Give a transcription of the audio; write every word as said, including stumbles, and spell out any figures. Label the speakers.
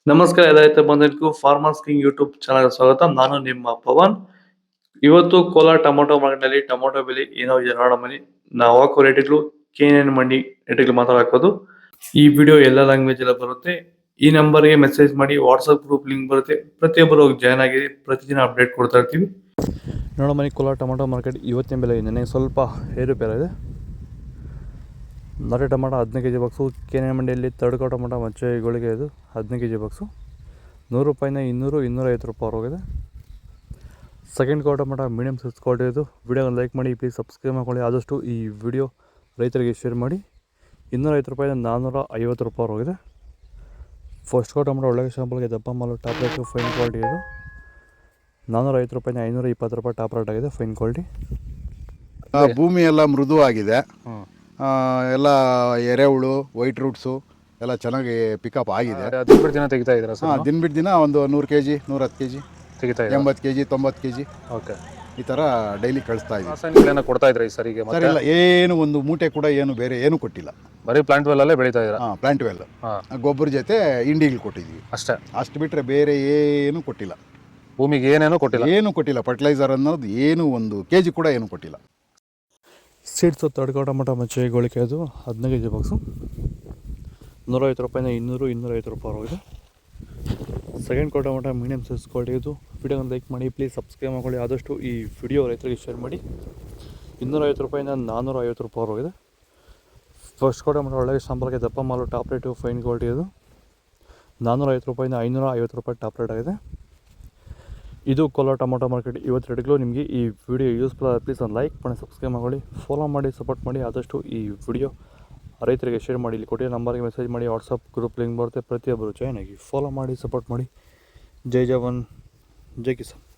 Speaker 1: ನಮಸ್ಕಾರ ಎಲ್ಲ ರೈತ ಬಂಧುಗಳಿಗೂ ಫಾರ್ಮರ್ಸ್ ಕಿಂಗ್ ಯೂಟ್ಯೂಬ್ ಚಾನಲ್ ಸ್ವಾಗತ. ನಾನು ನಿಮ್ಮ ಪವನ್. ಇವತ್ತು ಕೋಲಾರ ಟೊಮೊಟೊ ಮಾರ್ಕೆಟ್ನಲ್ಲಿ ಟೊಮೊಟೊ ಬೆಲೆ ಏನೋ ಇದೆ ನೋಡೋಣ ಬನ್ನಿ. ನಾವು ಹಾಕೋ ರೇಟ್ಗಳು ಕೆ ಎನ್ ಮಂಡಿ ರೇಟ್ಗಳು ಮಾತಾಡೋದು. ಈ ವಿಡಿಯೋ ಎಲ್ಲ ಲ್ಯಾಂಗ್ವೇಜ್ ಎಲ್ಲ ಬರುತ್ತೆ. ಈ ನಂಬರ್ಗೆ ಮೆಸೇಜ್ ಮಾಡಿ, ವಾಟ್ಸಪ್ ಗ್ರೂಪ್ ಲಿಂಕ್ ಬರುತ್ತೆ, ಪ್ರತಿಯೊಬ್ಬರು ಜಾಯ್ನ್ ಆಗಿ ಪ್ರತಿದಿನ ಅಪ್ಡೇಟ್ ಕೊಡ್ತಾ ಇರ್ತೀವಿ. ನೋಡೋ ಮನೆ ಕೋಲಾರ ಟೊಮೊಟೊ ಮಾರ್ಕೆಟ್ ಇವತ್ತಿನ ಬೆಲೆ ನನಗೆ ಸ್ವಲ್ಪ ಏರುಪೇರಿದೆ. ನಾಟಿ ಟೊಮೊಟೊ ಹದಿನೈದು K G box K N ಮಂಡಿಯಲ್ಲಿ ತಡ್ಕೋ ಟೊಮೊಟೊ ಮಚ್ಚೆಗಳಿಗೆ ಇದು ಹದಿನೈದು ಕೆ ಜಿ ಬಾಕ್ಸು ನೂರು ರೂಪಾಯಿನ ಇನ್ನೂರು ಇನ್ನೂರೈವತ್ತು ರೂಪಾಯಿ ಹೋಗಿದೆ. Second quarter tomato medium size quality ಇದು. ವಿಡಿಯೋನ ಲೈಕ್ ಮಾಡಿ, ಪ್ಲೀಸ್ ಸಬ್ಸ್ಕ್ರೈಬ್ ಮಾಡ್ಕೊಳ್ಳಿ. ಆದಷ್ಟು ಈ ವಿಡಿಯೋ ರೈತರಿಗೆ ಶೇರ್ ಮಾಡಿ. ಇನ್ನೂರೈವತ್ತು ರೂಪಾಯಿನ ನಾನ್ನೂರ ಐವತ್ತು ರೂಪಾಯಿ ಹೋಗಿದೆ. ಫಸ್ಟ್ ಕ್ವಾರ್ಟರ್ ಟೊಮೊಟೊ ಒಳ್ಳೆಯ ಶಾಂಪಲ್ಗೆ ದಪ್ಪ ಮಾಲು ಟಾಪ್ ರೇಟು ಫೈನ್ ಕ್ವಾಲಿಟಿ ಇದು. ನಾನ್ನೂರ ಐವತ್ತು ರೂಪಾಯಿನ ಐನೂರ ಇಪ್ಪತ್ತು ರೂಪಾಯಿ ಟಾಪ್ ರೇಟ್ ಆಗಿದೆ, ಫೈನ್ ಕ್ವಾಲಿಟಿ.
Speaker 2: ಭೂಮಿ ಎಲ್ಲ ಮೃದು ಆಗಿದೆ, ಎಲ್ಲ ಎರೆಹುಳು ವೈಟ್ ರೂಟ್ಸು ಎಲ್ಲ ಚೆನ್ನಾಗಿ ಪಿಕಪ್ ಆಗಿದೆ.
Speaker 3: ದಿನ ಬಿಟ್ಟು ದಿನ ತೆಗಿತಾ ಇದ್ದೀರಾ ಸರ್?
Speaker 2: ಹಾಂ, ದಿನ ಬಿಟ್ಟು ದಿನ ಒಂದು ನೂರು ಕೆ ಜಿ ನೂರ ಹತ್ತು ಕೆ ಜಿ
Speaker 3: ತೆಗಿತಾ ಇದ್ದೀರಾ?
Speaker 2: ಎಂಬತ್ತು ಕೆ ಜಿ ತೊಂಬತ್ತು ಕೆ ಜಿ
Speaker 3: ಓಕೆ,
Speaker 2: ಈ ಥರ ಡೈಲಿ ಕಳಿಸ್ತಾ ಇದ್ದೀವಿ.
Speaker 3: ರಾಸಾಯನಿಕಗಳನ್ನ ಕೊಡ್ತಾ ಇದ್ರಾ ಈ ಸರಿಗೆ?
Speaker 2: ಸರ್ ಇಲ್ಲ, ಏನು ಒಂದು ಮೂಟೆ ಕೂಡ ಏನು ಬೇರೆ ಏನು ಕೊಟ್ಟಿಲ್ಲ.
Speaker 3: ಬರೀ ಪ್ಲಾಂಟ್ ವೆಲ್ ಅಲ್ಲೇ ಬೆಳೀತಾ ಇದ್ದೀರಾ?
Speaker 2: ಹಾಂ, ಪ್ಲಾಂಟ್ ವೆಲ್ ಗೊಬ್ಬರ ಜೊತೆ ಇಂಡಿಗಳು ಕೊಟ್ಟಿದ್ದೀವಿ
Speaker 3: ಅಷ್ಟೇ.
Speaker 2: ಅಷ್ಟು ಬಿಟ್ಟರೆ ಬೇರೆ ಏನು ಕೊಟ್ಟಿಲ್ಲ.
Speaker 3: ಭೂಮಿಗೆ ಏನೇನೋ ಕೊಟ್ಟಿಲ್ಲ?
Speaker 2: ಏನು ಕೊಟ್ಟಿಲ್ಲ. ಫರ್ಟಿಲೈಸರ್ ಅನ್ನೋದು ಏನು ಒಂದು ಕೆ ಜಿ ಕೂಡ ಏನು ಕೊಟ್ಟಿಲ್ಲ.
Speaker 1: ಸೀಡ್ಸು ತಡ್ಕೋ ಟೊಮೊಟೊ ಮಚ್ಚೆ ಗೋಳಿಕೆ ಅದು ಹದಿನೈದು ಕೆ ಜಿ ಬಾಕ್ಸು ನೂರೈವತ್ತು ರೂಪಾಯಿನ ಇನ್ನೂರು ಇನ್ನೂರೈವತ್ತು ರೂಪಾಯಿ ಹೋಗಿದೆ. Second quarter tomato medium size quality ಇದು. ವಿಡಿಯೋನ ಲೈಕ್ ಮಾಡಿ, ಪ್ಲೀಸ್ ಸಬ್ಸ್ಕ್ರೈಬ್ ಮಾಡ್ಕೊಳ್ಳಿ. ಆದಷ್ಟು ಈ ವಿಡಿಯೋ ರೈತರಿಗೆ ಶೇರ್ ಮಾಡಿ. ಇನ್ನೂರೈವತ್ತು ರೂಪಾಯಿನ ನಾನ್ನೂರ ಐವತ್ತು ರೂಪಾಯಿ ಹೋಗಿದೆ. ಫಸ್ಟ್ ಕ್ವಾರ್ಟರ್ ಟೊಮೊಟೊ ಒಳ್ಳೆಯ ಶಾಂಪಲ್ಗೆ ದಪ್ಪ ಮಾಲು ಟಾಪ್ ರೇಟು ಫೈನ್ ಕ್ವಾಲಿಟಿ ಇದು. ನಾನ್ನೂರ ಐವತ್ತು ರೂಪಾಯಿನ ಐನೂರ ಐವತ್ತು ರೂಪಾಯಿ ಟಾಪ್ ರೇಟ್ ಆಗಿದೆ. ಇದು ಕೋಲಾರ ಟೊಮೊಟೊ ಮಾರ್ಕೆಟ್ ಇವತ್ತು ರೇಟ್ಗಳು. ನಿಮಗೆ ಈ ವಿಡಿಯೋ ಯೂಸ್ಫುಲ್ ಆದ ಪ್ಲೀಸ್ ಒಂದು ಲೈಕ್ ಮಾಡಿ, ಸಬ್ಸ್ಕ್ರೈಬ್ ಮಾಡಿ, ಫಾಲೋ ಮಾಡಿ, ಸಪೋರ್ಟ್ ಮಾಡಿ. ಆದಷ್ಟು ಈ ವಿಡಿಯೋ ರೈತರಿಗೆ ಶೇರ್ ಮಾಡಿ. ಇಲ್ಲಿ ಕೊಟ್ಟಿರೋ ನಂಬರ್ಗೆ ಮೆಸೇಜ್ ಮಾಡಿ, ವಾಟ್ಸಪ್ ಗ್ರೂಪ್ ಲಿಂಕ್ ಬರುತ್ತೆ, ಪ್ರತಿಯೊಬ್ಬರು ಜಾಯ್ನ್ ಆಗಿ ಫಾಲೋ ಮಾಡಿ, ಸಪೋರ್ಟ್ ಮಾಡಿ. ಜೈ ಜವಾನ್, ಜೈ ಕಿಸಾನ್.